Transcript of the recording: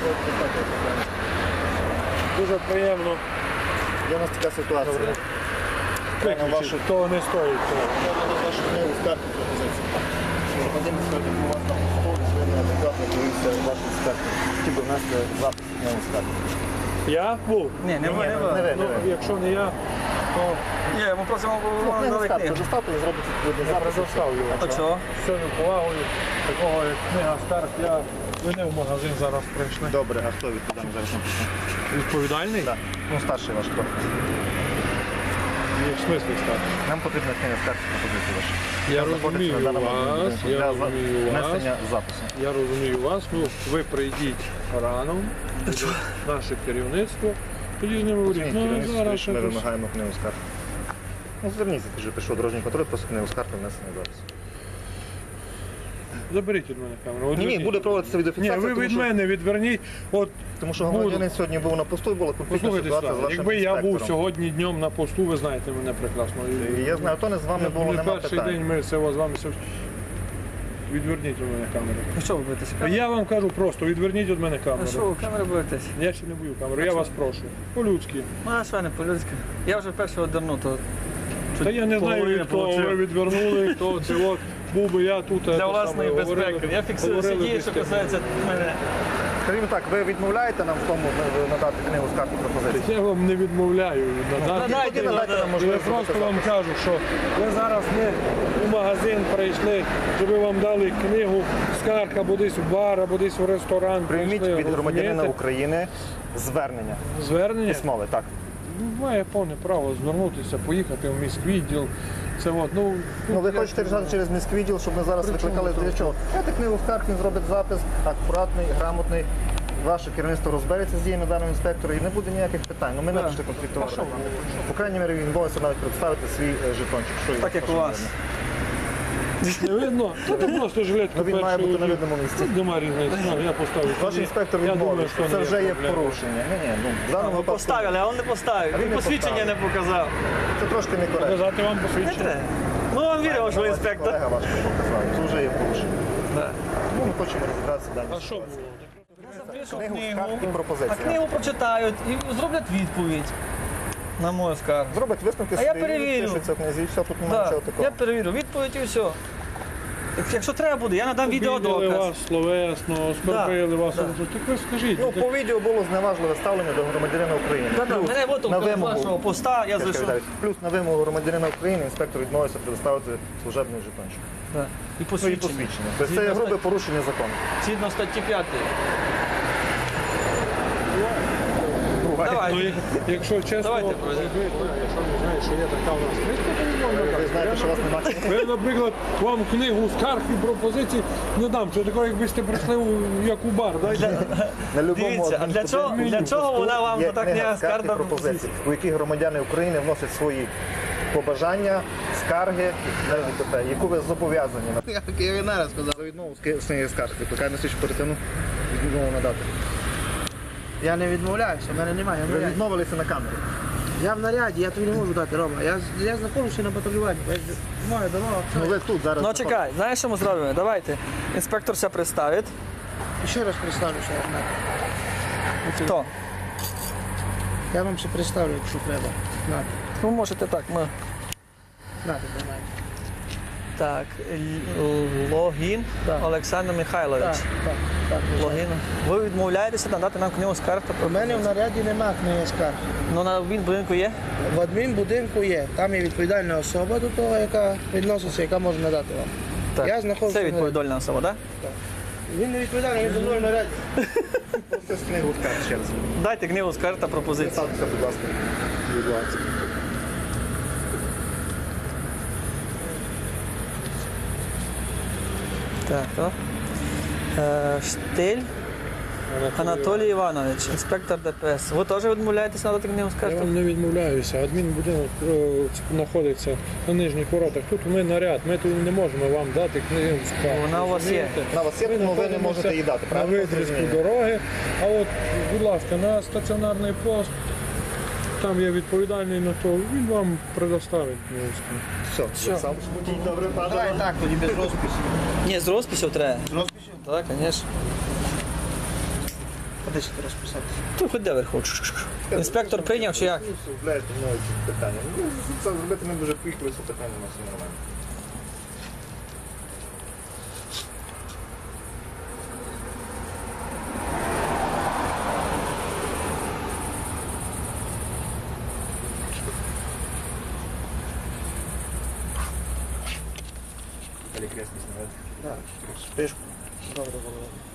Дуже приємно. Є у нас така ситуація. Виключити, того не стоїть. Я буду вашу книгу скарги пропозиції. Громадянин скажуть, у вас там столі, ви неадекватно дивіться вашу скаргу. Хотів би внести запис книгу скарги. Я був? Ні, не ви. Ну, якщо не я, то Ні, ми просимо Книгу дали скарги книгу. доставте і зробите відповідний я запис. предоставлю вам. А чого? З цією повагою, такого як книга скарг, ви не в магазин зараз прийшли. Добре, а хто відповідальний зараз написано? Відповідальний? Так. Ну, старший ваш хто? В смислі скарг? Нам потрібна книга скарги пропозиції ваша. Я розумію вас, Для внесення запису. Я розумію вас, ну ви прийдіть рано, наше керівництво, тоді з ними говоріть. Ну, зараз Ми якось- вимагаємо книгу скарги. Ну, зверніться, ти вже пішов дорожній контроль, просто книгу скарги внесення запису. Заберіть від мене камеру. От Ні, відверніть. буде проводитися Ні, відеофіксація, ви тому від що- мене відверніть. От Тому що громадянин сьогодні був на посту і була конфліктна послухайте ситуація з сюди, вашим якби я був інспектором. сьогодні днем на посту, ви знаєте мене прекрасно. І я знаю, то не з вами було, Не нема перший питань. день ми все з вами все. Відверніть від мене камеру. Ну що ви боїтеся? Я вам кажу просто, відверніть від мене А що камеру. ви камери боїтесь? Я ще не бою камеру, я вас прошу. По-людськи. Ну, а що не по-людськи? Я вже першого одерну, то... Та я не знаю, від кого ви відвернули, хто це от. Був би я тут. Для власної безпеки. Я фіксую всі дії, що касається мене. Скажімо так, ви відмовляєте нам в тому надати книгу скарги пропозиції? Я вам не відмовляю надати. Надайте, Тоді надайте нам Я можливість просто записати. вам кажу, що ви зараз не у магазин прийшли, щоб вам дали книгу скарг або десь в бар, або десь в ресторан. Прийміть прийшли, від громадянина розумієте? України звернення. Звернення. Письмове, так. Має повне право звернутися, поїхати в міськвідділ. Це от, ну Ви хочете рішати через міськвідділ, щоб ми зараз викликали для чого? Дайте книгу скарг, він зробить запис, акуратний, грамотний. Ваше керівництво розбереться з діями даного інспектора і не буде ніяких питань. Ну, ми не пішли конфліктувати. По крайній мірі, він боїться навіть представити свій жетончик. Що Так як у вас. не видно. Та ти просто жилетку Ну, він має бути на видному місці. Тут нема різниці. Ну, я поставлю. Ваш інспектор Я думаю, відмовив, що що це не вже є проблема. порушення. Ні, ну, в даному Ви випадку поставили, а він не поставив. А він Він не посвідчення не показав. це трошки некоректно. Показати вам Не посвідчення. треба. Ну, він вірив, що інспектор. Колега ваш показав, це вже є порушення. Да. Тому ми хочемо розібратися далі. А що було? Запишу Книгу книгу, скарг і а пропозиції. книгу прочитають і зроблять відповідь на мою скаргу. Зробить висновки А я собі, перевірю. пишеться в книзі, все, тут немає Да. нічого такого. Я перевірю відповідь і все. Якщо треба буде, я надам Обідали відеодоказ. вас словесно, оскорбили вас. Да. Так ви скажіть. Ну, по відео було зневажливе ставлення до громадянина України. Да-да, Плюс, мене на витовкали з вимогу, вашого поста, я зайшов. плюс на вимогу громадянина України інспектор відмовився предоставити служебний жетончик. Да. І Ну і посвідчення. посвідчення. Тобто це є грубе порушення закону. Згідно статті 5. Ну, Давайте. якщо чесно, Давайте, ви проведемо. якщо не знаєте, що є така у нас книжка, то не можна Ви дати. знаєте, що вас немає. Ви, наприклад, вам книгу скарг і пропозицій не дам. Це таке, якби сте прийшли як у бар. На любому Дивіться, а для чого вона вам є така книга книга скарг скарг і та пропозицій, у які громадяни України вносять свої побажання, скарги, т.д., яку ви зобов'язані. Я не раз сказав, за відмову з книги скарг, викликає на слідчу перетину, відмову надати. Я не відмовляюся, в мене немає. Ви відмовилися на камеру. Я в наряді, я тобі не можу дати, Рома. Я знаходжуся на патрулюванні. Моя дорога. Ну ви тут зараз. Ну чекай, знаєш, що ми зробимо? Давайте. Інспектор все представить. Ще раз представлюся. Хто? Я вам ще представлю, якщо треба. Нате, Ви можете так. Ми... нате, давай. Так, Логін Олександр Михайлович. Так. Логін. Ви відмовляєтеся надати нам книгу скарг та У пропозицій? мене в наряді нема книги скарг. Ну на будинку є? В адмінбудинку є. Там є відповідальна особа до того, яка відноситься, яка може надати вам. Так. Я знаходжуся Це в відповідальна особа, так? Він не відповідальний, він зі мною в наряді. Це з книгу скарг ще раз. Дайте книгу скарг та пропозиції. Представтеся, будь ласка. Будь ласка. Так, то. Штиль Анатолій Іванович, інспектор ДПС. Ви теж відмовляєтеся надати книгу Я скарг? вам не відмовляюся. Адмінбудинок знаходиться на нижніх воротах. Тут ми наряд, ми тут не можемо вам дати книгу скарг. Вона у вас є. Розумієте? На вас є, тому ви не можете її дати, На правильно? відрізку дороги. А от, будь ласка, на стаціонарний пост, там є відповідальний на то, він вам предоставить книгу скарг. Все, сам добре, Давай так, тоді без розпису. Ні, з розписів треба. З розпису? Так, звісно. А де ще ти розписатися? Тут хоч де верху. Інспектор прийняв чи як? Блядь, ну, ці питання. Ну, це зробити ми дуже поїхали, це питання у нас все нормально. Перекреслі знімати. Так, спишку. Добре було.